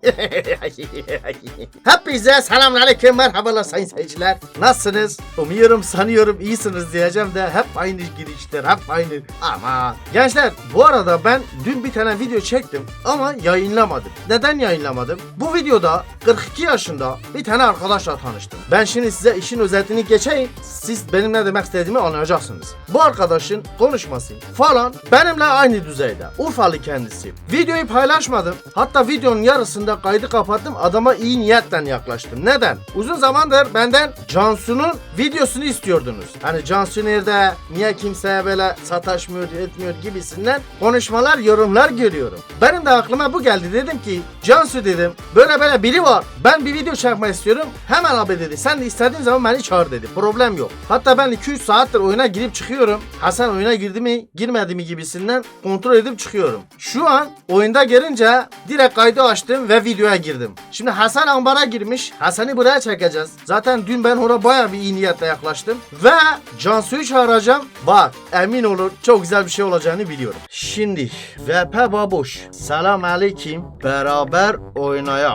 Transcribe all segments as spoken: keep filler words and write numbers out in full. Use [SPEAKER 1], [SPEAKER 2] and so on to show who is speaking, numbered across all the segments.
[SPEAKER 1] Hepinize selamünaleyküm, merhabalar sayın seyirciler. Nasılsınız? Umuyorum, sanıyorum iyisiniz diyeceğim de hep aynı girişler, hep aynı. Ama gençler, bu arada ben dün bir tane video çektim ama yayınlamadım. Neden yayınlamadım? Bu videoda kırk iki yaşında bir tane arkadaşla tanıştım. Ben şimdi size işin özetini geçeyim. Siz benim ne demek istediğimi anlayacaksınız. Bu arkadaşın konuşması falan benimle aynı düzeyde. Urfalı kendisi. Videoyu paylaşmadım. Hatta videonun yarısında kaydı kapattım. Adama iyi niyetle yaklaştım. Neden? Uzun zamandır benden Cansu'nun videosunu istiyordunuz. Hani Cansu nerede? Niye kimseye böyle sataşmıyor, etmiyor gibisinden konuşmalar, yorumlar görüyorum. Benim de aklıma bu geldi. Dedim ki Cansu dedim, böyle böyle biri var. Ben bir video çekmek istiyorum. Hemen abi dedi. Sen de istediğin zaman beni çağır dedi. Problem yok. Hatta ben iki üç saattir oyuna girip çıkıyorum. Hasan oyuna girdi mi, girmedi mi gibisinden kontrol edip çıkıyorum. Şu an oyunda girince direkt kaydı açtım ve videoya girdim. Şimdi Hasan ambara girmiş. Hasan'ı buraya çekeceğiz. Zaten dün ben ona bayağı bir iyi niyetle yaklaştım. Ve Cansu'yu çağıracağım. Bak emin olun çok güzel bir şey olacağını biliyorum. Şimdi V P Babuş. Selam aleyküm. Beraber oynayak.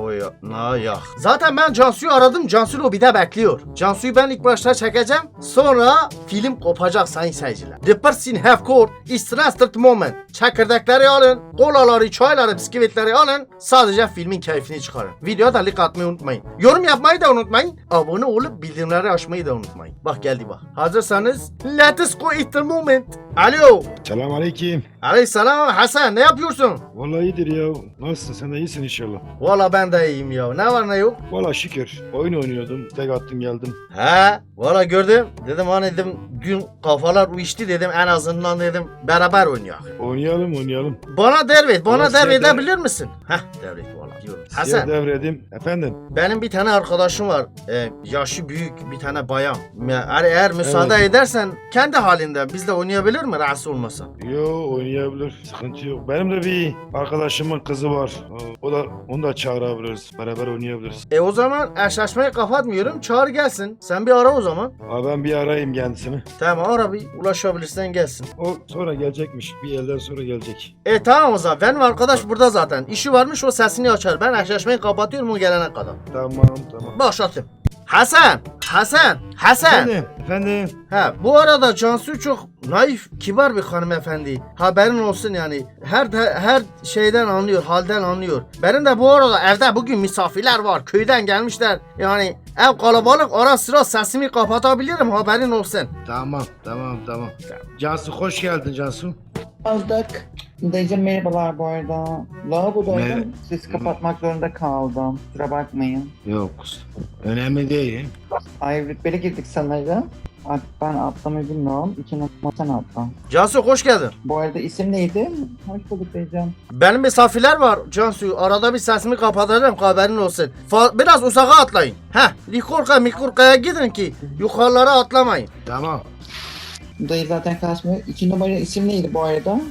[SPEAKER 1] Oynayak. Zaten ben Cansu'yu aradım. Cansu lobide bekliyor. Cansu'yu ben ilk başta çekeceğim. Sonra film kopacak sayın seyirciler. The person have caught is trusted moment. Çekirdekleri alın. Kolaları, çayları, bisküvitleri alın. Sadece filmin keyfini çıkarın. Videoya da like atmayı unutmayın. Yorum yapmayı da unutmayın. Abone olup bildirimleri açmayı da unutmayın. Bak geldi bak. Hazırsanız let's go at the moment. Alo.
[SPEAKER 2] Selam aleyküm.
[SPEAKER 1] Aleyhisselam Hasan, ne yapıyorsun?
[SPEAKER 2] Vallahi iyidir ya. Nasılsın? Sen de iyisin inşallah.
[SPEAKER 1] Valla ben de iyiyim ya. Ne var ne yok?
[SPEAKER 2] Vallahi şükür. Oyun oynuyordum. Tek attım geldim.
[SPEAKER 1] He, valla gördüm. Dedim hani dedim dün kafalar uyuştu dedim, en azından dedim beraber oynayak.
[SPEAKER 2] Oynayalım oynayalım.
[SPEAKER 1] Bana devret, bana
[SPEAKER 2] Ulan
[SPEAKER 1] devredebilir
[SPEAKER 2] size
[SPEAKER 1] bilir misin? Heh, devret valla diyorum.
[SPEAKER 2] Size
[SPEAKER 1] Hasan,
[SPEAKER 2] devredim. Efendim?
[SPEAKER 1] benim bir tane arkadaşım var. Ee, yaşı büyük bir tane bayan. Eğer, eğer müsaade
[SPEAKER 2] Evet.
[SPEAKER 1] edersen kendi halinde bizle oynayabilir mi rahatsız olmasa?
[SPEAKER 2] Yo oynayabilir. Sıkıntı yok. Benim de bir arkadaşımın kızı var. O o da onu da çağırabiliriz. Beraber oynayabiliriz.
[SPEAKER 1] E o zaman eşleşmeyi kapatmıyorum. Çağır gelsin. Sen bir ara o zaman.
[SPEAKER 2] Abi ben bir arayayım kendisini.
[SPEAKER 1] Tamam, ara bir, ulaşabilirsen gelsin.
[SPEAKER 2] O sonra gelecekmiş. Bir yerden sonra gelecek.
[SPEAKER 1] E tamam o zaman. Benim arkadaş burada zaten. İşi varmış, o sesini açar. Ben eşleşmeyi kapatıyorum o gelene kadar.
[SPEAKER 2] Tamam tamam.
[SPEAKER 1] Başlatayım. Hasan! Hasan! Hasan!
[SPEAKER 2] Efendim? Efendim?
[SPEAKER 1] Ha, bu arada Cansu çok naif, kibar bir hanımefendi. Haberin olsun yani. Her her şeyden anlıyor, halden anlıyor. Benim de bu arada evde bugün misafirler var. Köyden gelmişler. Yani ev kalabalık, ara sıra sesimi kapatabilirim, haberin olsun.
[SPEAKER 2] Tamam tamam tamam. Cansu hoş geldin Cansu.
[SPEAKER 3] Aldık. Dayıcım merhabalar bu arada. Lavabodaydım.
[SPEAKER 2] Mer-
[SPEAKER 3] Sizi kapatmak zorunda kaldım. Kusura bakmayın.
[SPEAKER 2] Yok. Önemli değil.
[SPEAKER 3] Ay rütbeli girdik sanırım. Artık ben atlamayı bilmiyorum. İki numara sen atla.
[SPEAKER 1] Cansu hoş geldin.
[SPEAKER 3] Bu arada isim neydi? Hoş bulduk dayıcım.
[SPEAKER 1] Benim misafirler var Cansu. Arada bir sesimi kapatacağım, haberin olsun. Fa- biraz uzağa atlayın. Heh, Likorka Mikorka'ya gidin ki yukarılara atlamayın.
[SPEAKER 2] Tamam.
[SPEAKER 3] Dayı zaten kaçmıyor. İki numara isim neydi bu arada?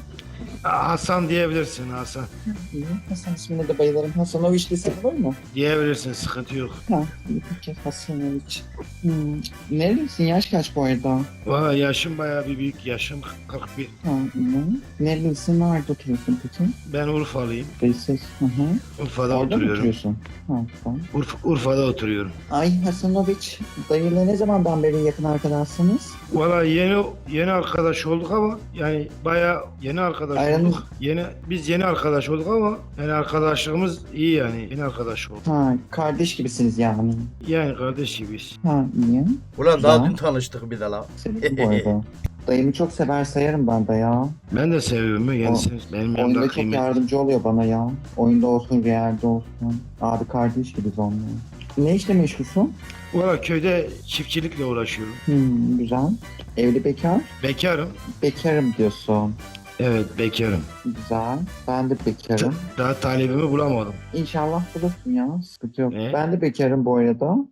[SPEAKER 2] Hasan diyebilirsin Hasan.
[SPEAKER 3] İyi. Hasan ismine de bayılırım. Hasanoviç desem olur mu?
[SPEAKER 2] Diyebilirsin sıkıntı yok.
[SPEAKER 3] Ha. iyi peki Hasanoviç. Hmm. Nerelisin? Yaş kaç bu arada?
[SPEAKER 2] Valla yaşım bayağı bir büyük yaşım kırk bir.
[SPEAKER 3] Ha, iyi. Nerelisin? Nerede oturuyorsun peki?
[SPEAKER 2] Ben Urfalıyım.
[SPEAKER 3] Dayısız. Hı hı.
[SPEAKER 2] Urfa'da
[SPEAKER 3] Orada mı
[SPEAKER 2] oturuyorum.
[SPEAKER 3] oturuyorsun? Ha, tamam.
[SPEAKER 2] Urf Urfa'da oturuyorum.
[SPEAKER 3] Ay Hasanoviç, dayıyla ne zamandan beri yakın arkadaşsınız?
[SPEAKER 2] Valla yeni yeni arkadaş olduk ama yani bayağı yeni arkadaş
[SPEAKER 3] Aynen.
[SPEAKER 2] olduk. Yeni biz yeni arkadaş olduk ama yani arkadaşlığımız iyi yani yeni arkadaş olduk.
[SPEAKER 3] Ha, kardeş gibisiniz yani.
[SPEAKER 2] Yani kardeş gibiyiz.
[SPEAKER 3] Ha, iyi.
[SPEAKER 1] Ulan daha
[SPEAKER 3] Güzel.
[SPEAKER 1] dün tanıştık bir de la.
[SPEAKER 3] Severim bu arada. Dayımı çok sever sayarım ben de ya.
[SPEAKER 2] Ben de seviyorum ya kendisini. Benim
[SPEAKER 3] Oyunda
[SPEAKER 2] yanımda
[SPEAKER 3] çok
[SPEAKER 2] kıymetli.
[SPEAKER 3] yardımcı oluyor bana ya. Oyunda olsun, realde olsun. Abi kardeş gibiyiz onunla. Ne işle meşgulsün?
[SPEAKER 2] Valla köyde çiftçilikle uğraşıyorum.
[SPEAKER 3] Hmm, güzel. Evli bekar?
[SPEAKER 2] Bekarım.
[SPEAKER 3] Bekarım diyorsun.
[SPEAKER 2] Evet bekarım.
[SPEAKER 3] Güzel. Ben de bekarım.
[SPEAKER 2] Daha talibimi bulamadım.
[SPEAKER 3] İnşallah bulursun ya. Sıkıntı yok.
[SPEAKER 2] Ne?
[SPEAKER 3] Ben de bekarım bu arada.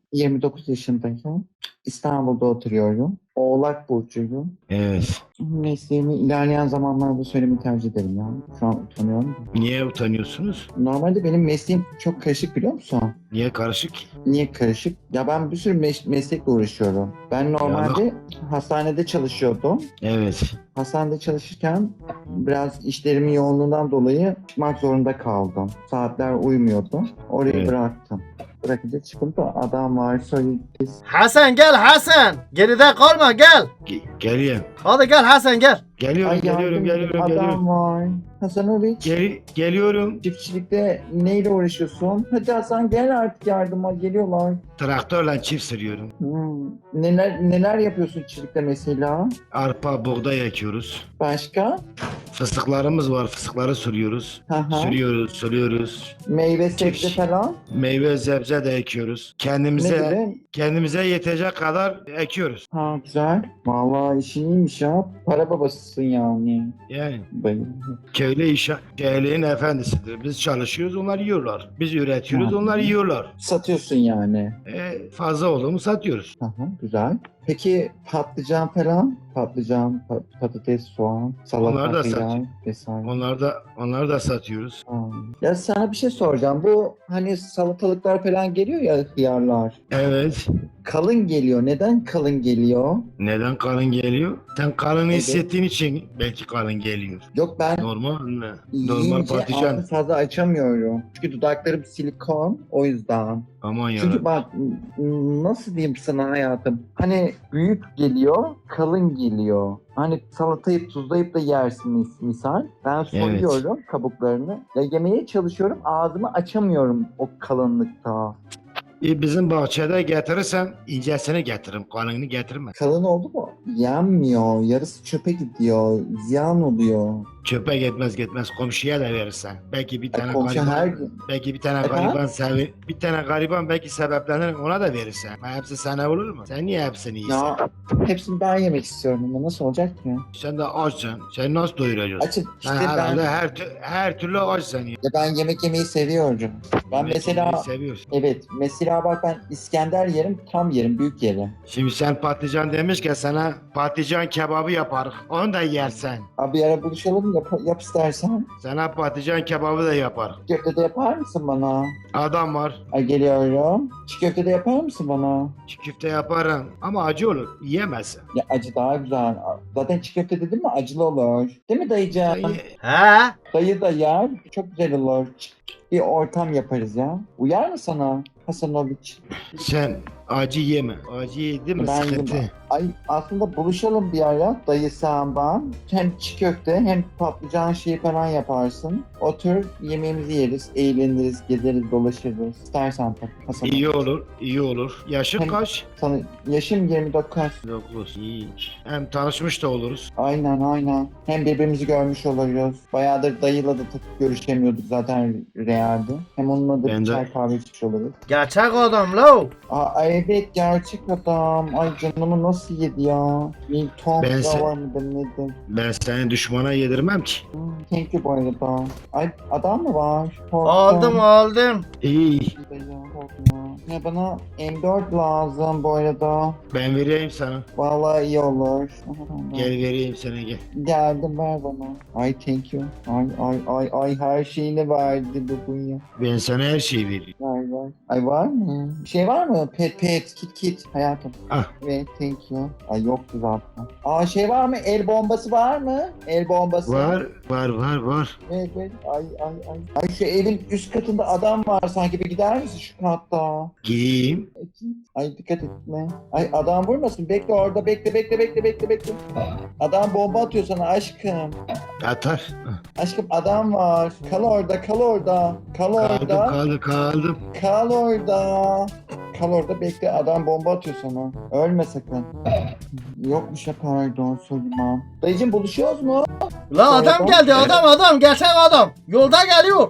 [SPEAKER 3] yirmi dokuz yaşındayım. İstanbul'da oturuyorum. Oğlak burcuyum.
[SPEAKER 2] Evet.
[SPEAKER 3] Mesleğimi ilerleyen zamanlarda söylemeyi tercih ederim ya. Şu an utanıyorum.
[SPEAKER 2] Niye utanıyorsunuz?
[SPEAKER 3] Normalde benim mesleğim çok karışık, biliyor musun?
[SPEAKER 2] Niye karışık?
[SPEAKER 3] Niye karışık? Ya ben bir sürü mes- meslekle uğraşıyorum. Ben normalde hastanede çalışıyordum.
[SPEAKER 2] Evet.
[SPEAKER 3] Hastanede çalışırken biraz işlerimin yoğunluğundan dolayı çıkmak zorunda kaldım. Saatler uymuyordu. Orayı
[SPEAKER 2] Evet.
[SPEAKER 3] bıraktım. Bırakınca çıkıp da adam var söyledi.
[SPEAKER 1] Hasan gel Hasan. Geride kalma gel.
[SPEAKER 2] Ge- geliyorum.
[SPEAKER 1] Hadi gel Hasan gel.
[SPEAKER 2] Geliyorum,
[SPEAKER 3] Ay
[SPEAKER 2] geliyorum,
[SPEAKER 3] yardım
[SPEAKER 2] geliyorum,
[SPEAKER 3] adam
[SPEAKER 2] geliyorum.
[SPEAKER 3] var. Hasanoviç.
[SPEAKER 2] Gel geliyorum.
[SPEAKER 3] Çiftçilikte neyle uğraşıyorsun? Hadi Hasan gel artık yardıma, geliyorlar.
[SPEAKER 2] Traktörle çift sürüyorum.
[SPEAKER 3] Hmm. Neler neler yapıyorsun çiftçilikte mesela?
[SPEAKER 2] Arpa, buğday ekiyoruz.
[SPEAKER 3] Başka?
[SPEAKER 2] Fıstıklarımız var, fıstıkları sürüyoruz.
[SPEAKER 3] Hı hı.
[SPEAKER 2] Sürüyoruz, sürüyoruz.
[SPEAKER 3] Meyve sebze
[SPEAKER 2] Çiftçi.
[SPEAKER 3] falan.
[SPEAKER 2] Meyve, sebze de ekiyoruz.
[SPEAKER 3] Ne
[SPEAKER 2] Kendimize
[SPEAKER 3] gibi?
[SPEAKER 2] kendimize yetecek kadar ekiyoruz.
[SPEAKER 3] Ha güzel. Vallahi işin iyiymiş ya. Para babasısın yani.
[SPEAKER 2] Yani
[SPEAKER 3] Bayıldım.
[SPEAKER 2] köylü iş, köylünün efendisidir. Biz çalışıyoruz, onlar yiyorlar. Biz üretiyoruz,
[SPEAKER 3] Hı.
[SPEAKER 2] onlar yiyorlar.
[SPEAKER 3] Satıyorsun yani.
[SPEAKER 2] E, fazla olduğumu satıyoruz.
[SPEAKER 3] Hı hı, güzel. Peki patlıcan falan? Patlıcan, pat- patates, soğan, salata,
[SPEAKER 2] Onlar da
[SPEAKER 3] hıyar
[SPEAKER 2] satıyor.
[SPEAKER 3] vesaire.
[SPEAKER 2] Onlar da onları da satıyoruz.
[SPEAKER 3] Ha. Ya sana bir şey soracağım. Bu hani salatalıklar falan geliyor ya, hıyarlar.
[SPEAKER 2] Evet.
[SPEAKER 3] Kalın geliyor. Neden kalın geliyor?
[SPEAKER 2] Neden kalın geliyor? Sen kalın
[SPEAKER 3] Evet.
[SPEAKER 2] hissettiğin için belki kalın geliyor.
[SPEAKER 3] Yok ben
[SPEAKER 2] Normal mi? Normal
[SPEAKER 3] yiyince
[SPEAKER 2] patlıcan.
[SPEAKER 3] ağzı fazla açamıyorum. Çünkü dudaklarım silikon, o yüzden.
[SPEAKER 2] Aman ya.
[SPEAKER 3] Çünkü bak n- nasıl diyeyim sana hayatım. Hani büyük geliyor, kalın geliyor. Hani salatayı tuzlayıp da yersin mis- misal. Ben soyuyorum kabuklarını. Ya yemeye çalışıyorum, ağzımı açamıyorum o kalınlıkta.
[SPEAKER 2] E, bizim bahçede getirirsen incesini getiririm. Kalınını getirme.
[SPEAKER 3] Kalın oldu mu? Yenmiyor. Yarısı çöpe gidiyor. Ziyan oluyor.
[SPEAKER 2] Çöpe gitmez gitmez komşuya da verirsen. Belki bir tane
[SPEAKER 3] komşu
[SPEAKER 2] gariban,
[SPEAKER 3] her gün-
[SPEAKER 2] belki bir tane
[SPEAKER 3] Efendim?
[SPEAKER 2] gariban sevi, bir tane gariban belki sebeplenir ona da verirsen. Ha, hepsi sana olur mu? Sen niye hepsini yiyorsun?
[SPEAKER 3] Ya hepsini ben yemek istiyorum ama nasıl olacak ki?
[SPEAKER 2] Sen de açsın. Sen nasıl doyuracaksın?
[SPEAKER 3] Açım
[SPEAKER 2] Sen
[SPEAKER 3] işte ben,
[SPEAKER 2] herhalde her, tü- her türlü açsın. Ya.
[SPEAKER 3] ya ben yemek yemeyi seviyorum. Ben
[SPEAKER 2] Yemek
[SPEAKER 3] mesela
[SPEAKER 2] yemeyi seviyorsun.
[SPEAKER 3] evet mesela bak ben İskender yerim, tam yerim, büyük yerim.
[SPEAKER 2] Şimdi sen patlıcan demişken sana patlıcan kebabı yaparız. Onu da yersen.
[SPEAKER 3] Abi bir ara buluşalım, yap, yap istersen.
[SPEAKER 2] Sana patlıcan kebabı da yaparız.
[SPEAKER 3] Çiğ köfte de yapar mısın bana?
[SPEAKER 2] Adam var.
[SPEAKER 3] Ay geliyorum. Çiğ köfte de yapar mısın bana?
[SPEAKER 2] Çiğ köfte yaparım. Ama acı olur. Yiyemezsin.
[SPEAKER 3] Ya acı daha güzel. Zaten çiğ köfte dedim mi acılı olur. Değil mi
[SPEAKER 2] Sen
[SPEAKER 3] dayıcığım?
[SPEAKER 2] ye-
[SPEAKER 1] He?
[SPEAKER 3] Dayı da yer. Çok güzel olur. Bir ortam yaparız ya. Uyar mı sana Hasanoviç?
[SPEAKER 2] Sen acı yeme. Acı yedin mi
[SPEAKER 3] Ben
[SPEAKER 2] sıkıntı.
[SPEAKER 3] yemem. Ay aslında buluşalım bir ara. Dayı sen ben. Hem çiğ köfte hem patlıcan şeyi falan yaparsın. Otur yemeğimizi yeriz, eğleniriz, gezeriz, dolaşırız. İstersen tabii Hasan.
[SPEAKER 2] İyi olur. iyi olur. Yaşın
[SPEAKER 3] Hem-
[SPEAKER 2] kaç?
[SPEAKER 3] Sana yaşım yirmi dokuz.
[SPEAKER 2] dokuz. İyi. Hem tanışmış da oluruz.
[SPEAKER 3] Aynen aynen. Hem birbirimizi görmüş oluruz. Bayağıdır dayıyla da takıp görüşemiyorduk zaten realde. Hem onunla da
[SPEAKER 2] Ben
[SPEAKER 3] bir
[SPEAKER 2] de-
[SPEAKER 3] çay kahve içmiş oluruz.
[SPEAKER 1] Gerçek adam lo.
[SPEAKER 3] Aa, evet gerçek adam. Ay canımı nasıl yedi ya? Bir tuhaf
[SPEAKER 2] Ben
[SPEAKER 3] da
[SPEAKER 2] se-
[SPEAKER 3] var mıdır nedir?
[SPEAKER 2] Ben seni düşmana yedirmem ki.
[SPEAKER 3] Hmm, thank you bu arada. Ay adam mı var? Korktum.
[SPEAKER 1] Aldım aldım.
[SPEAKER 2] İyi.
[SPEAKER 3] Ya, korkma. Ya bana M dört lazım bu arada.
[SPEAKER 2] Ben vereyim sana.
[SPEAKER 3] Vallahi iyi olur.
[SPEAKER 2] Gel vereyim sana gel.
[SPEAKER 3] Geldim ver bana. Ay thank you. Ay ay ay ay her şeyini verdi bugün ya.
[SPEAKER 2] Ben sana her şeyi veririm.
[SPEAKER 3] Ver ver. Ay var mı? Bir şey var mı? Pet pet kit kit hayatım.
[SPEAKER 2] Ah.
[SPEAKER 3] Evet thank you. Ay yoktu zaten. Aa şey var mı? El bombası var mı? El bombası.
[SPEAKER 2] Var. Var var var.
[SPEAKER 3] Evet evet. Ay ay ay. Ay şu evin üst katında adam var sanki. Bir gider misin şu katta?
[SPEAKER 2] Gideyim.
[SPEAKER 3] Ay dikkat etme. Ay adam vurmasın. Bekle orada. Bekle bekle bekle bekle bekle. Adam bomba atıyor sana aşkım.
[SPEAKER 2] Atar.
[SPEAKER 3] Aşkım adam var. Kal orada kal orada. Kal
[SPEAKER 2] Kaldım
[SPEAKER 3] orada.
[SPEAKER 2] kaldım kaldım.
[SPEAKER 3] Kal orada. Kal orada bekle. Adam bomba atıyor sana. Ölme sakın. Yokmuş ya pardon Süleyman. Dayıcım buluşuyoruz mu?
[SPEAKER 1] La adam geldi adam adam gerçek adam. Yolda geliyor.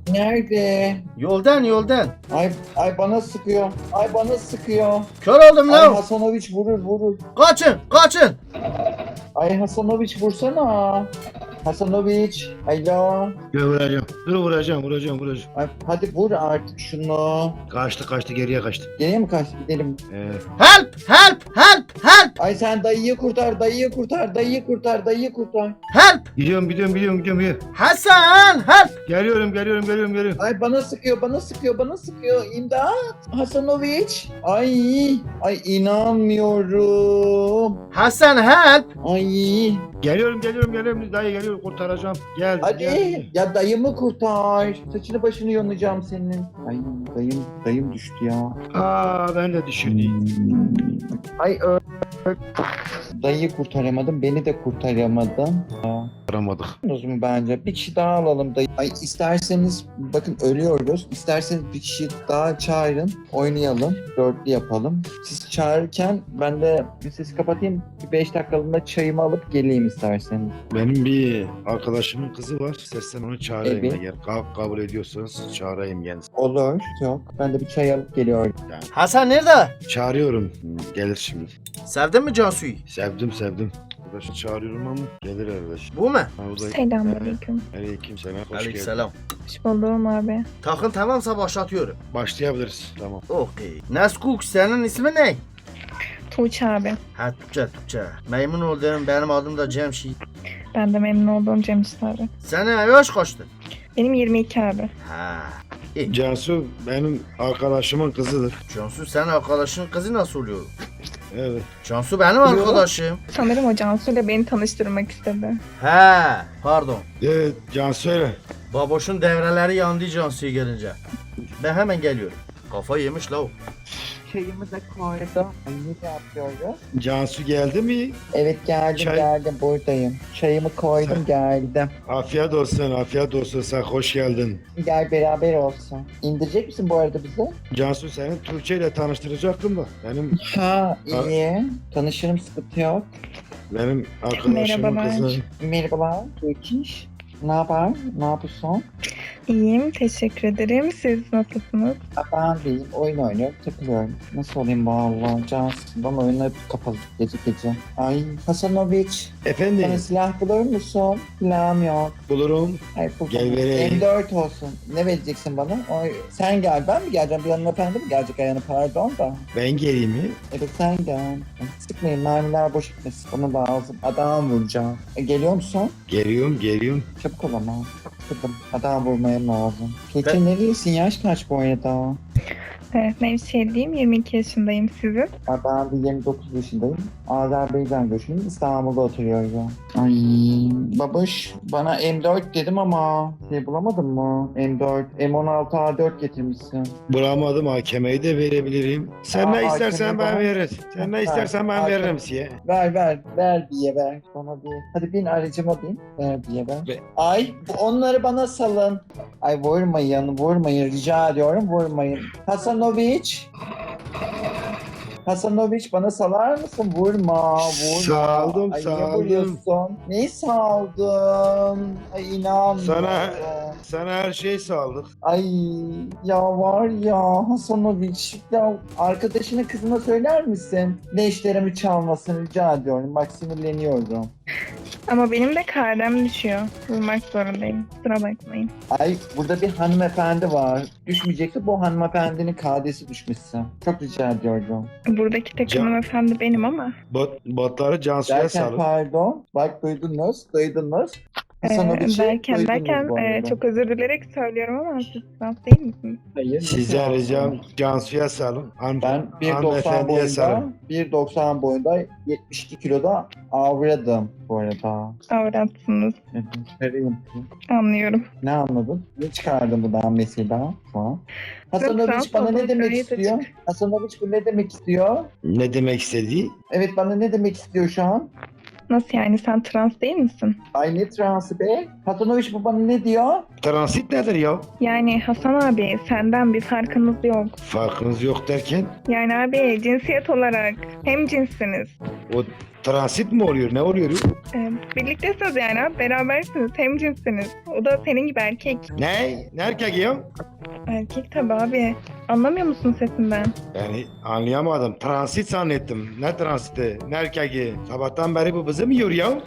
[SPEAKER 3] Nerede?
[SPEAKER 1] Yoldan yoldan.
[SPEAKER 3] Ay ay bana sıkıyor. Ay bana sıkıyor.
[SPEAKER 1] Kör oldum
[SPEAKER 3] Ay
[SPEAKER 1] la.
[SPEAKER 3] Hasanoviç vurur vurur.
[SPEAKER 1] Kaçın kaçın.
[SPEAKER 3] Ay Hasanoviç vursana. Hasanoviç. Alo.
[SPEAKER 2] Dur vuracağım. Dur vuracağım vuracağım vuracağım.
[SPEAKER 3] Ay, hadi vur artık şunu.
[SPEAKER 2] Kaçtı kaçtı geriye kaçtı.
[SPEAKER 3] Geriye mi kaçtı gidelim.
[SPEAKER 2] Ee,
[SPEAKER 1] Help! Help! Help! Help!
[SPEAKER 3] Ay sen dayıyı kurtar, dayıyı kurtar, dayıyı kurtar, dayıyı kurtar.
[SPEAKER 1] Help!
[SPEAKER 2] gidiyorum gidiyorum gidiyorum gidiyorum. gidiyorum.
[SPEAKER 1] Hasan! Help!
[SPEAKER 2] Geliyorum geliyorum geliyorum geliyorum.
[SPEAKER 3] Ay bana sıkıyor, bana sıkıyor, bana sıkıyor. İmdat. Hasanoviç. Ay, ay inanmıyorum.
[SPEAKER 1] Hasan help!
[SPEAKER 3] Ay,
[SPEAKER 2] Geliyorum geliyorum geliyorum. Dayı geliyorum kurtaracağım. Geldim
[SPEAKER 3] hadi
[SPEAKER 2] geldim.
[SPEAKER 3] ya dayımı kurtar. Saçını başını yonacağım senin. Ay dayım, dayım düştü ya.
[SPEAKER 2] Aa ben de düşürdüm.
[SPEAKER 3] Ay ö- ö- Dayıyı kurtaramadım, beni de kurtaramadın.
[SPEAKER 2] Aramadık.
[SPEAKER 3] O zaman bence bir kişi daha alalım dayı. Ay isterseniz bakın ölüyoruz. İsterseniz bir kişi daha çağırın. Oynayalım. Dörtlü yapalım. Siz çağırırken ben de bir sesi kapatayım. Bir beş dakikalığında çayımı alıp geleyim isterseniz.
[SPEAKER 2] Benim bir arkadaşımın kızı var. İstersen onu çağırayım
[SPEAKER 3] Evet.
[SPEAKER 2] eğer ka- kabul ediyorsanız çağırayım kendisini.
[SPEAKER 3] Olur. Yok. Ben de bir çay alıp geliyorum.
[SPEAKER 2] Yani
[SPEAKER 1] Hasan nerede?
[SPEAKER 2] çağırıyorum. Gelir şimdi.
[SPEAKER 1] Sevdin mi Cansu'yu?
[SPEAKER 2] Sevdim sevdim. Arkadaşı çağırıyorum ama gelir arkadaş.
[SPEAKER 1] Bu mu?
[SPEAKER 2] Ha, o da...
[SPEAKER 4] Selamünaleyküm.
[SPEAKER 2] Aleyküm selam. Hoş geldin.
[SPEAKER 1] Aleykümselam.
[SPEAKER 4] Hoş buldum abi.
[SPEAKER 1] Takın tamamsa başlatıyorum.
[SPEAKER 2] Başlayabiliriz. Tamam.
[SPEAKER 1] Okey. Neskuk senin ismin ne?
[SPEAKER 4] Tuğçe abi.
[SPEAKER 1] Ha Türkçe Türkçe. Memnun oldum. Benim adım da Cemşit.
[SPEAKER 4] Ben de memnun oldum Cemşit abi.
[SPEAKER 1] Senin yaş kaçtı?
[SPEAKER 4] Benim yirmi iki abi.
[SPEAKER 1] Ha. İyi.
[SPEAKER 2] Cansu benim arkadaşımın kızıdır.
[SPEAKER 1] Cansu senin arkadaşın kızı nasıl oluyor?
[SPEAKER 2] Evet.
[SPEAKER 1] Cansu benim arkadaşım.
[SPEAKER 4] Sanırım o Cansu ile beni tanıştırmak istedi.
[SPEAKER 1] He. Pardon.
[SPEAKER 2] Evet Cansu öyle.
[SPEAKER 1] Baboşun devreleri yandı Cansu'ya gelince. Ben hemen geliyorum. Kafa yemiş la o.
[SPEAKER 3] Çayımı da koydum. Ay ne yapıyoruz?
[SPEAKER 2] Cansu geldi mi?
[SPEAKER 3] Evet geldim
[SPEAKER 2] Çay-
[SPEAKER 3] geldim buradayım. Çayımı koydum
[SPEAKER 2] Sen-
[SPEAKER 3] geldim.
[SPEAKER 2] Afiyet olsun, afiyet olsun. Sen hoş geldin.
[SPEAKER 3] Gel beraber olsun. İndirecek misin bu arada bizi?
[SPEAKER 2] Cansu seni Tuğçe ile tanıştıracaktım da. Benim
[SPEAKER 3] Ha iyi. Tanışırım sıkıntı yok.
[SPEAKER 2] benim arkadaşımın
[SPEAKER 4] Merhabalar.
[SPEAKER 2] kızı.
[SPEAKER 3] Merhabalar. Türkiş. Ne haber? Ne yapıyorsun?
[SPEAKER 4] İyiyim, teşekkür ederim. Siz nasılsınız?
[SPEAKER 3] Ha, ben deyim. Oyun oynuyorum. Takılıyorum. Nasıl olayım vallahi? Cansından oyunu hep kapalı gece gece. Ay Hasanoviç.
[SPEAKER 2] Efendim
[SPEAKER 3] Bana silah bulur musun? Silahım yok.
[SPEAKER 2] bulurum.
[SPEAKER 3] Ay, bu-
[SPEAKER 2] Gel vereyim.
[SPEAKER 3] M dört olsun. Ne vereceksin bana? Ay, sen gel. Ben mi geleceğim? Bir hanımefendi mi gelecek ayağına? Pardon da.
[SPEAKER 2] Ben geleyim mi?
[SPEAKER 3] Evet sen gel. Sıkmayın. Mermiler boş gitmesin. Bana lazım. Adam vuracağım. E, geliyor musun?
[SPEAKER 2] Geliyorum, geliyorum.
[SPEAKER 3] Çabuk ol ama. Sıkıldım. Adam vurmaya lazım. Keçi neredesin? Yaş kaç bu arada?
[SPEAKER 4] Evet, Nevşehirliyim, yirmi iki yaşındayım. Sizin?
[SPEAKER 3] Ya ben de yirmi dokuz yaşındayım. Azerbaycan göçmeniyim. İstanbul'da oturuyorum. Ay babuş bana M dört dedim ama şey bulamadın mı? M dört, M on altı A dört getirmişsin.
[SPEAKER 2] Bulamadım hakemeyi de verebilirim. Sen
[SPEAKER 3] Aa,
[SPEAKER 2] ne istersen
[SPEAKER 3] hakemi
[SPEAKER 2] ben
[SPEAKER 3] bana-
[SPEAKER 2] veririm. Sen ne
[SPEAKER 3] Ha,
[SPEAKER 2] istersen ben
[SPEAKER 3] hakem-
[SPEAKER 2] veririm size.
[SPEAKER 3] Ver ver ver diye ver. Bana bir. Hadi bin aracıma bin. Ver diye ver.
[SPEAKER 2] Ve-
[SPEAKER 3] Ay onları bana salın. Ay vurmayın vurmayın rica ediyorum vurmayın. Hasanoviç. Hasanoviç bana salar mısın? Vurma, vurma.
[SPEAKER 2] Saldım,
[SPEAKER 3] Ay,
[SPEAKER 2] saldım.
[SPEAKER 3] niye vuruyorsun? Neyi saldın? Ay inanmıyorum.
[SPEAKER 2] Sana sana her şey sağlık.
[SPEAKER 3] Ay ya var ya Hasanoviç. Ya arkadaşına kızına söyler misin? Leşlerimi çalmasını rica ediyorum. Bak sinirleniyorum.
[SPEAKER 4] Ama benim de karnem düşüyor. Vurmak zorundayım. Kusura bakmayın.
[SPEAKER 3] Ay burada bir hanımefendi var. Düşmeyecekse bu hanımefendinin kadesi düşmüşsün. Çok rica ediyorum.
[SPEAKER 4] Buradaki tek
[SPEAKER 2] Can-
[SPEAKER 4] hanımefendi benim ama.
[SPEAKER 2] Bot, botları Cansu'ya
[SPEAKER 3] Derken
[SPEAKER 2] sağlık.
[SPEAKER 3] pardon. Bak duydunuz, duydunuz.
[SPEAKER 4] Ee,
[SPEAKER 3] Hasanoviç'i
[SPEAKER 4] derken
[SPEAKER 3] duydunuz
[SPEAKER 4] derken
[SPEAKER 3] bu
[SPEAKER 4] e,
[SPEAKER 3] arada.
[SPEAKER 4] çok özür dilerek söylüyorum ama siz trans değil misiniz?
[SPEAKER 3] Hayır.
[SPEAKER 2] Size
[SPEAKER 3] nasıl?
[SPEAKER 2] ricam Cansu'ya salın. Han,
[SPEAKER 3] Ben bir doksan
[SPEAKER 2] hanımefendiye
[SPEAKER 3] boyunda,
[SPEAKER 2] salın.
[SPEAKER 3] bir doksan boyunda yetmiş iki kiloda avradım bu arada.
[SPEAKER 4] Avratsınız.
[SPEAKER 3] Karıyım.
[SPEAKER 4] Anlıyorum.
[SPEAKER 3] Ne anladın? Ne çıkardın buradan mesela? Ha? Hasanoviç
[SPEAKER 4] trans
[SPEAKER 3] bana ne
[SPEAKER 4] olduğunu
[SPEAKER 3] demek
[SPEAKER 4] gayet
[SPEAKER 3] istiyor?
[SPEAKER 4] açık.
[SPEAKER 3] Hasanoviç bu ne demek istiyor?
[SPEAKER 2] Ne demek istediği?
[SPEAKER 3] Evet bana ne demek istiyor şu an?
[SPEAKER 4] Nasıl yani, sen trans değil misin?
[SPEAKER 3] Ay ne transı be? Hasanoviç bu bana ne diyor?
[SPEAKER 2] Transit nedir ya?
[SPEAKER 4] Yani Hasan abi, senden bir farkınız yok.
[SPEAKER 2] Farkınız yok derken
[SPEAKER 4] Yani abi cinsiyet olarak hem cinssiniz.
[SPEAKER 2] o transit mi oluyor? Ne oluyor?
[SPEAKER 4] Ee, birliktesiniz yani abi, berabersiniz, hem cinssiniz. O da senin gibi erkek.
[SPEAKER 2] Ne? Ne erkek ya?
[SPEAKER 4] Erkek tabi abi. Anlamıyor musun sesinden?
[SPEAKER 2] Yani anlayamadım. Transit zannettim. Ne transiti? Ne erkeği? Sabahtan beri bu bizi mi yiyor ya?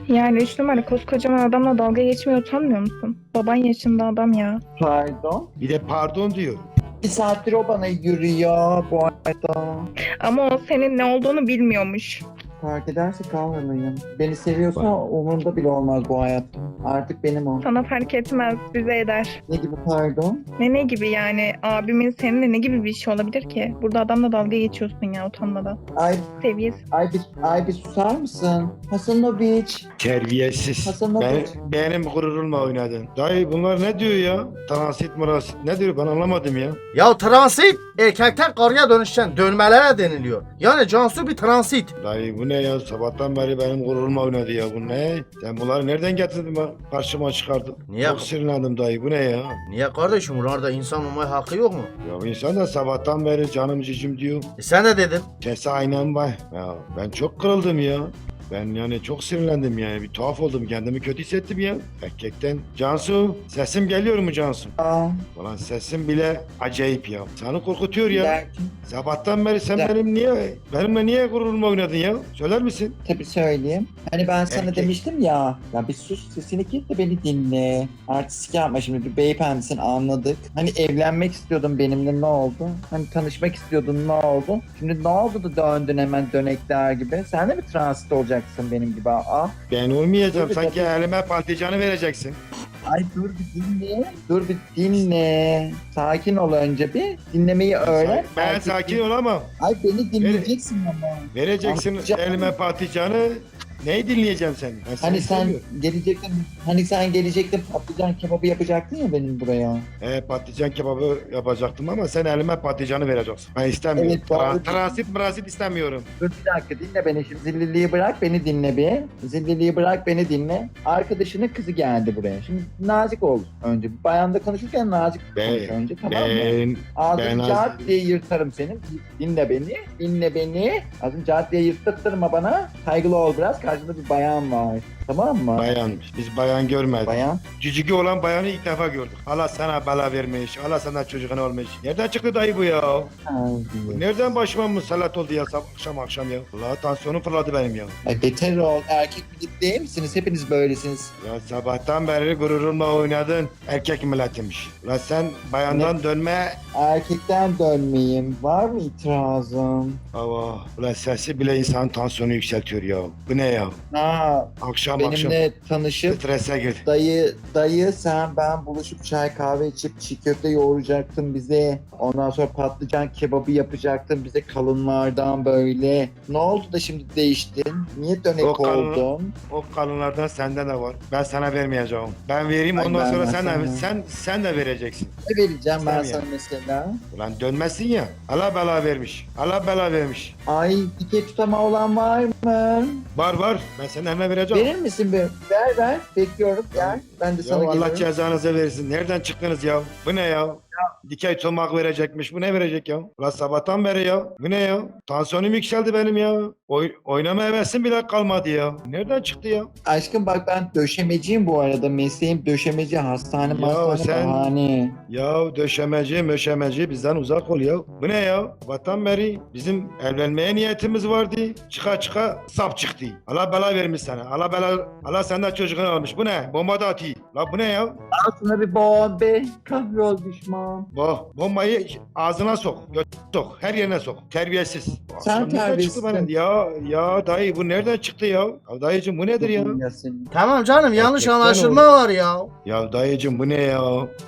[SPEAKER 4] Yani üç numara koskocaman adamla dalga geçmeye utanmıyor musun? Baban yaşında adam ya.
[SPEAKER 3] Pardon.
[SPEAKER 2] Bir de pardon diyor.
[SPEAKER 3] Bir saattir o bana yürüyor bu arada.
[SPEAKER 4] Ama o senin ne olduğunu bilmiyormuş.
[SPEAKER 3] Fark ederse kavralıyım. Beni seviyorsa umurumda bile olmaz bu hayatta. Artık benim o.
[SPEAKER 4] Sana fark etmez, bize eder.
[SPEAKER 3] Ne gibi pardon?
[SPEAKER 4] Ne ne gibi yani? Abimin seninle ne gibi bir şey olabilir ki? Burada adamla dalga geçiyorsun ya utanmadan.
[SPEAKER 3] Ay,
[SPEAKER 4] Seviyesiz.
[SPEAKER 3] ay bir, ay bir susar mısın? Hasanoviç.
[SPEAKER 2] Terbiyesiz.
[SPEAKER 3] Hasan
[SPEAKER 2] Ben,
[SPEAKER 3] abi.
[SPEAKER 2] benim gururumla oynadın. Dayı bunlar ne diyor ya? Transit marasit ne diyor ben anlamadım ya.
[SPEAKER 1] Ya transit erkekten karıya dönüşen dönmelere deniliyor. Yani Cansu bir transit.
[SPEAKER 2] Dayı bu ne ya? Sabahtan beri benim gururumla oynadı ya. Bu ne? Sen bunları nereden getirdin ben karşıma çıkardın?
[SPEAKER 1] Niye?
[SPEAKER 2] Çok sinirlendim dayı. Bu ne ya?
[SPEAKER 1] Niye kardeşim bunlarda insan olmaya hakkı yok mu?
[SPEAKER 2] Ya bu insan da sabahtan beri canım cicim diyor.
[SPEAKER 1] E sen de dedin.
[SPEAKER 2] Sesi aynen var. Ya ben çok kırıldım ya. Ben yani çok sinirlendim yani. Bir tuhaf oldum. Kendimi kötü hissettim ya. Erkekten. Cansu. Sesim geliyor mu Cansu?
[SPEAKER 3] Aa,
[SPEAKER 2] Ulan sesim bile acayip ya. Seni korkutuyor ya.
[SPEAKER 3] derken,
[SPEAKER 2] Sabahtan beri sen
[SPEAKER 3] Ya-
[SPEAKER 2] benim niye benimle niye gururumla oynadın ya? Söyler misin?
[SPEAKER 3] tabii söyleyeyim. Hani ben sana
[SPEAKER 2] Erkek.
[SPEAKER 3] demiştim ya. Ya bir sus sesini kes de beni dinle. Artistik yapma şimdi bir beyefendisin anladık. Hani evlenmek istiyordun benimle ne oldu? Hani tanışmak istiyordun ne oldu? Şimdi ne oldu da döndün hemen dönekler gibi? Sen de mi transit olacaksın benim gibi? Aa,
[SPEAKER 2] Ben olmayacağım.
[SPEAKER 3] Tabii,
[SPEAKER 2] Sanki
[SPEAKER 3] tabii.
[SPEAKER 2] elime patlıcanı vereceksin.
[SPEAKER 3] ay dur bir dinle. Dur bir dinle. Sakin ol önce bir. Dinlemeyi öğren.
[SPEAKER 2] Ben
[SPEAKER 3] Artık
[SPEAKER 2] sakin
[SPEAKER 3] bir-
[SPEAKER 2] olamam.
[SPEAKER 3] Ay beni dinleyeceksin ama.
[SPEAKER 2] Vereceksin
[SPEAKER 3] Patlıcan.
[SPEAKER 2] elime patlıcanı. Neyi dinleyeceğim seni? Ben seni
[SPEAKER 3] Hani sen
[SPEAKER 2] seviyorum.
[SPEAKER 3] gelecektin, hani sen gelecektin patlıcan kebabı yapacaktın ya benim buraya.
[SPEAKER 2] He, patlıcan kebabı yapacaktım ama sen elime patlıcanı vereceksin. Ben istemiyorum.
[SPEAKER 3] Evet, doğru.
[SPEAKER 2] Tra- transit mrasit istemiyorum.
[SPEAKER 3] Dur bir dakika dinle beni şimdi zilliliği bırak beni dinle bir. Zilliliği bırak beni dinle. Arkadaşının kızı geldi buraya. Şimdi nazik ol önce. Bayanla konuşurken nazik
[SPEAKER 2] Ben-
[SPEAKER 3] konuş önce tamam mı?
[SPEAKER 2] Ben
[SPEAKER 3] Ağzını
[SPEAKER 2] ben
[SPEAKER 3] cart
[SPEAKER 2] az-
[SPEAKER 3] diye yırtarım senin. Dinle beni. Dinle beni. Ağzını cart diye yırttırma bana. Saygılı ol biraz. Karşında bir bayan var. Tamam mı?
[SPEAKER 2] bayan. Biz bayan görmedik.
[SPEAKER 3] Bayan.
[SPEAKER 2] Cücüğü olan bayanı ilk defa gördük. Allah sana bela vermiş. Allah sana çocuğun olmuş. Nereden çıktı dayı bu ya?
[SPEAKER 3] Ay,
[SPEAKER 2] Nereden başıma musallat oldu ya sab- akşam akşam ya? Allah tansiyonum fırladı benim ya.
[SPEAKER 3] Ay beter ol. Erkek millet değil misiniz? Hepiniz böylesiniz.
[SPEAKER 2] Ya sabahtan beri gururumla oynadın. Erkek milletiymiş. Ulan sen bayandan dönme.
[SPEAKER 3] Erkekten dönmeyeyim. Var mı itirazın?
[SPEAKER 2] Hava. Ulan sesi bile insanın tansiyonu yükseltiyor ya. Bu ne ya?
[SPEAKER 3] Ha,
[SPEAKER 2] Akşam akşam
[SPEAKER 3] benimle tanışıp
[SPEAKER 2] strese gir.
[SPEAKER 3] dayı dayı sen ben buluşup çay kahve içip çiğ köfte yoğuracaktın bize. Ondan sonra patlıcan kebabı yapacaktın bize kalınlardan böyle. Ne oldu da şimdi değiştin? Niye dönek
[SPEAKER 2] O kalın-
[SPEAKER 3] oldun?
[SPEAKER 2] O kalınlardan sende de var. Ben sana vermeyeceğim. Ben vereyim
[SPEAKER 3] Ay,
[SPEAKER 2] ondan sonra
[SPEAKER 3] vermez
[SPEAKER 2] sen de,
[SPEAKER 3] sana.
[SPEAKER 2] sen sen de vereceksin.
[SPEAKER 3] Ne vereceğim ben
[SPEAKER 2] İstemiyorum.
[SPEAKER 3] sana mesela?
[SPEAKER 2] Ulan dönmezsin ya. Allah bela vermiş. Allah bela vermiş.
[SPEAKER 3] Ay dike tutama olan var mı?
[SPEAKER 2] Var var. Ben senin eline vereceğim.
[SPEAKER 3] Verir misin bir? Ver ver. Bekliyorum. Gel. Ben de
[SPEAKER 2] Ya
[SPEAKER 3] sana
[SPEAKER 2] Allah
[SPEAKER 3] geliyorum.
[SPEAKER 2] cezanızı versin. Nereden çıktınız ya? Bu ne ya? Dikey tomak verecekmiş. Bu ne verecek ya? Ulan sabahtan beri ya. Bu ne ya? Tansiyonum yükseldi benim ya. Oy oynama hevesim bile kalmadı ya. Nereden çıktı ya?
[SPEAKER 3] Aşkım bak ben döşemeciyim bu arada. Mesleğim döşemeci. Hastane
[SPEAKER 2] Ya
[SPEAKER 3] hastane
[SPEAKER 2] sen-
[SPEAKER 3] bahane.
[SPEAKER 2] Ya döşemeci möşemeci bizden uzak ol ya. Bu ne ya? Sabahtan beri bizim evlenmeye niyetimiz vardı. Çıka çıka sap çıktı. Allah bela vermiş sana. Allah bela Allah senden çocuğunu almış. Bu ne? Bomba da atıyor. La bu ne ya?
[SPEAKER 3] Al sana bir bombe. Kahrol düşman.
[SPEAKER 2] Bu bombayı ağzına sok. Göt sok. Her yerine sok. Terbiyesiz.
[SPEAKER 3] Sen
[SPEAKER 2] Akşam nereden çıktı
[SPEAKER 3] terbiyesizsin.
[SPEAKER 2] bana? Ya ya dayı bu nereden çıktı ya? Ya dayıcım bu nedir ya?
[SPEAKER 3] Ya senin.
[SPEAKER 1] Tamam canım yanlış
[SPEAKER 2] Erkekten
[SPEAKER 1] anlaşılma
[SPEAKER 2] oldu.
[SPEAKER 1] var ya.
[SPEAKER 2] Ya dayıcım bu ne ya?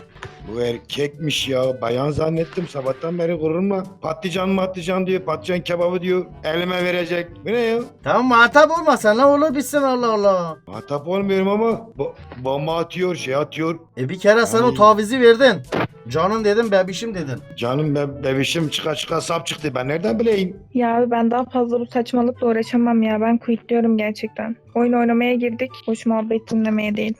[SPEAKER 2] Bu erkekmiş ya. Bayan zannettim. Sabahtan beri gururumla. Patlıcan matlıcan diyor. Patlıcan kebabı diyor. Elime verecek. Bu ne ya?
[SPEAKER 1] Tamam muhatap olma sen ne olur bitsin Allah Allah.
[SPEAKER 2] Muhatap olmuyorum ama bo- bomba atıyor, şey atıyor.
[SPEAKER 1] E bir kere sen o
[SPEAKER 2] Ay.
[SPEAKER 1] tavizi verdin. Canım dedim bebişim dedin.
[SPEAKER 2] Canım be bebişim çıka çıka sap çıktı. Ben nereden bileyim?
[SPEAKER 4] Ya abi ben daha fazla bu saçmalıkla uğraşamam ya. Ben quitliyorum gerçekten. Oyun oynamaya girdik. Hoş muhabbet dinlemeye değil.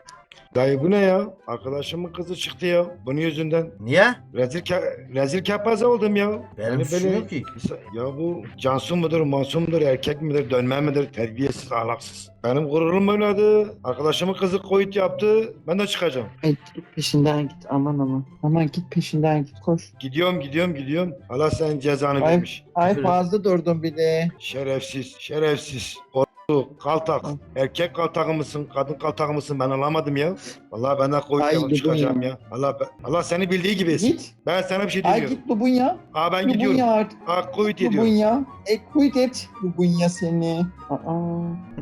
[SPEAKER 2] Dayı bu ne ya? Arkadaşımın kızı çıktı ya. Bunun yüzünden.
[SPEAKER 1] Niye?
[SPEAKER 2] Rezil, ke- rezil kepaze oldum ya.
[SPEAKER 1] Benim
[SPEAKER 2] Yani
[SPEAKER 1] suçum
[SPEAKER 2] böyle-
[SPEAKER 1] yok ki.
[SPEAKER 2] Ya bu Cansu mudur, Masum mudur, erkek midir, dönme midir, terbiyesiz, ahlaksız. Benim gururum oynadı. Arkadaşımın kızı koyut yaptı. Ben de çıkacağım.
[SPEAKER 3] Ay git peşinden git aman aman. Aman git peşinden git koş.
[SPEAKER 2] Gidiyorum, gidiyorum, gidiyorum. Allah senin cezanı
[SPEAKER 3] Ay.
[SPEAKER 2] vermiş.
[SPEAKER 3] Ay
[SPEAKER 1] Küfür et.
[SPEAKER 3] fazla durdum bile.
[SPEAKER 2] Şerefsiz, şerefsiz. Or- Bu kaltak. Erkek kaltakı mısın? Kadın kaltakı mısın? Ben anlamadım ya. Vallahi benden koyup
[SPEAKER 3] Ay,
[SPEAKER 2] yalan çıkacağım
[SPEAKER 3] ya.
[SPEAKER 2] ya. Allah Allah seni bildiği gibi etsin.
[SPEAKER 3] Git.
[SPEAKER 2] Ben sana bir şey
[SPEAKER 3] Ay
[SPEAKER 2] demiyorum.
[SPEAKER 3] git Lubunya.
[SPEAKER 2] Aa ben gidiyorum.
[SPEAKER 3] Lubunya artık.
[SPEAKER 2] Aa koyut ediyorum.
[SPEAKER 3] Lubunya. E quit et. Lubunya seni. Aa.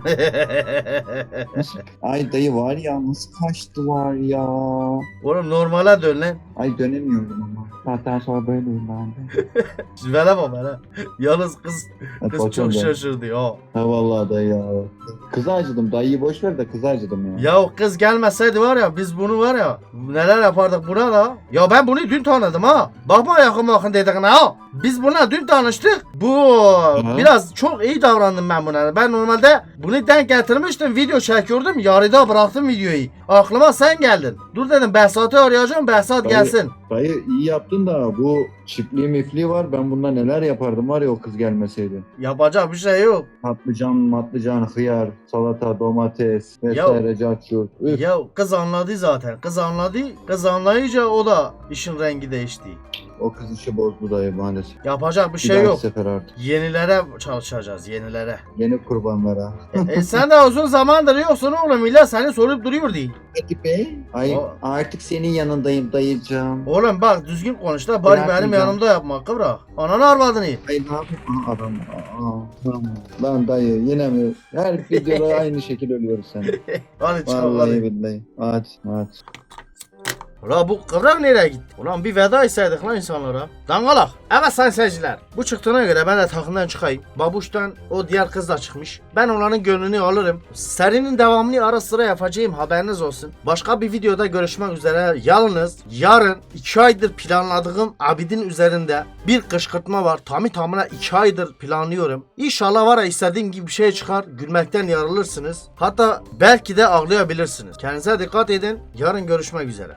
[SPEAKER 3] Nasıl? Ay dayı var ya nasıl kaçtılar ya.
[SPEAKER 1] Oğlum normale dön lan.
[SPEAKER 3] Ay dönemiyorum ama. Zaten sonra böyleyim ben de.
[SPEAKER 1] Veremem ha. Yalnız kız
[SPEAKER 3] Hadi
[SPEAKER 1] kız
[SPEAKER 3] bakalım
[SPEAKER 1] çok
[SPEAKER 3] ben.
[SPEAKER 1] şaşırdı ya.
[SPEAKER 3] Ha vallahi dayı ya. Kıza acıdım. Dayıyı boş ver de kıza acıdım ya.
[SPEAKER 1] Ya o kız gelmeseydi var ya biz bunu var ya neler yapardık buna da. Ya ben bunu dün tanıdım ha. Bakma yakın bakın dediğine ha. Biz buna dün tanıştık. Bu biraz çok iyi davrandım ben buna. Ben normalde bunu denk getirmiştim. Video çekiyordum. Yarıda bıraktım videoyu. Aklıma sen geldin. Dur dedim Behzat'ı arayacağım. Behzat
[SPEAKER 3] Dayı-
[SPEAKER 1] gelsin.
[SPEAKER 3] Dayı iyi yaptın da bu çiftliği mifliği var. Ben bunda neler yapardım var ya o kız gelmeseydi.
[SPEAKER 1] Yapacak bir şey yok.
[SPEAKER 3] Patlıcan, matlıcan, hıyar, salata, domates vesaire cacur. Üf.
[SPEAKER 1] Ya kız anladı zaten. Kız anladı. Kız anlayınca o da işin rengi değişti.
[SPEAKER 3] O kız işi bozdu dayı maalesef.
[SPEAKER 1] Yapacak bir
[SPEAKER 3] Bir
[SPEAKER 1] şey
[SPEAKER 3] dahaki
[SPEAKER 1] yok.
[SPEAKER 3] sefer artık.
[SPEAKER 1] Yenilere çalışacağız. Yenilere.
[SPEAKER 3] Yeni kurbanlara.
[SPEAKER 1] e sen de uzun zamandır yoksun oğlum. Millet seni sorup duruyor değil.
[SPEAKER 3] Peki bey. Ay
[SPEAKER 1] O-
[SPEAKER 3] artık senin yanındayım dayıcığım.
[SPEAKER 1] Oğlum bak düzgün konuş da bari benim
[SPEAKER 3] Bırakmayacağım.
[SPEAKER 1] yanımda yapma kıvrak. Ananı arvadını.
[SPEAKER 3] Ay ne yapayım? Aha, adam. Aa, tamam. Lan dayı yine mi? Her videoda aynı şekil ölüyoruz sen.
[SPEAKER 1] Hadi çıkalım
[SPEAKER 3] Vallahi
[SPEAKER 1] hadi.
[SPEAKER 3] billahi. Hadi hadi.
[SPEAKER 1] Ulan bu kıvrak nereye gitti? Ulan bir veda etseydik lan insanlara. Dangalak. Evet sayın seyirciler. Bu çıktığına göre ben de takımdan çıkayım. Babuş'tan o diğer kız da çıkmış. Ben onların gönlünü alırım. Serinin devamını ara sıra yapacağım haberiniz olsun. Başka bir videoda görüşmek üzere. Yalnız yarın iki aydır planladığım Abidin üzerinde bir kışkırtma var. Tamı tamına iki aydır planlıyorum. İnşallah var ya istediğim gibi bir şey çıkar. Gülmekten yarılırsınız. Hatta belki de ağlayabilirsiniz. Kendinize dikkat edin. Yarın görüşmek üzere.